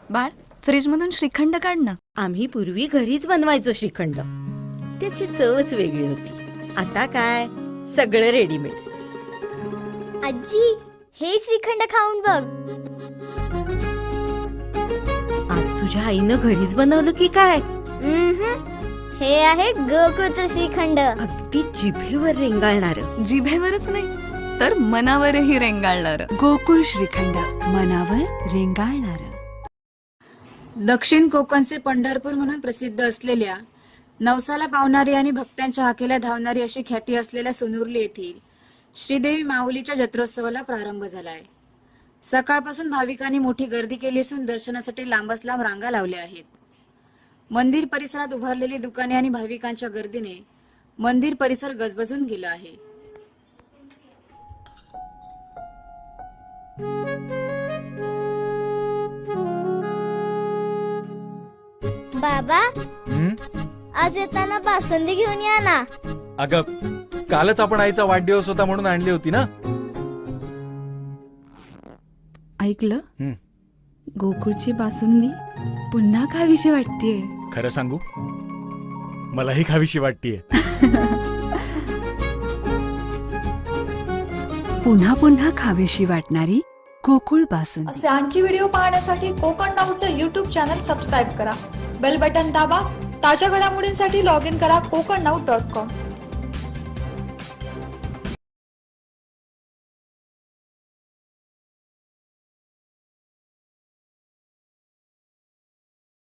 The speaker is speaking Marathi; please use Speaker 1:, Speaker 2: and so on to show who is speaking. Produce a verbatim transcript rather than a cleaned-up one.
Speaker 1: बाळ, फ्रीज मधून श्रीखंड काढ ना.
Speaker 2: आम्ही पूर्वी घरीच बनवायचो श्रीखंड. त्याची चवच वेगळी होती. आता काय सगळं रेडीमेड.
Speaker 3: आजी, हे श्रीखंड खाऊन बघ.
Speaker 2: आज तुझ्या आईनं घरीच बनवलं की काय?
Speaker 3: उम्हम. हे आहे गोकुळचं श्रीखंड.
Speaker 2: अगदी जिभेवर रेंगाळणार.
Speaker 1: जिभेवरच नाही तर मनावरही रेंगाळणार.
Speaker 4: गोकुळ श्रीखंड, मनावर रेंगाळणार.
Speaker 5: दक्षिण कोकणचे पंढरपूर म्हणून प्रसिद्ध असलेल्या, नवसाला पावणारी आणि भक्तांच्या हाकेला धावणारी अशी ख्याती असलेल्या सोनुर्ली येथील श्रीदेवी माऊलीच्या जत्रोत्सवाला प्रारंभ झालाय. सकाळपासून भाविकांनी मोठी गर्दी केली असून दर्शनासाठी लांबच लांब रांगा लावल्या आहेत. मंदिर परिसरात उभारलेली दुकाने आणि भाविकांच्या गर्दीने मंदिर परिसर गजबजून गेला आहे.
Speaker 3: बाबा,
Speaker 6: हं?
Speaker 3: आज येताना बासुंदी घेऊन या ना.
Speaker 6: अगं, कालच आपण आईचा वाढदिवस होता म्हणून आणली होती ना.
Speaker 1: ऐकलं?
Speaker 6: हं.
Speaker 1: गोकुळची बासुंदी पुन्हा खावीशी वाटतेय.
Speaker 6: खरं सांगू, मलाही खावीशी वाटतीये.
Speaker 4: पुन्हा पुन्हा खावीशी वाटणारी गोकुळ बासुंदी.
Speaker 7: असे आणखी व्हिडिओ पाहण्यासाठी कोकण नाऊचं यूट्यूब चॅनल सबस्क्राईब करा. बेल बटन दाबा. ताज्या घडामोडींसाठी लॉग इन करा कोकण नाऊ डॉट कॉम.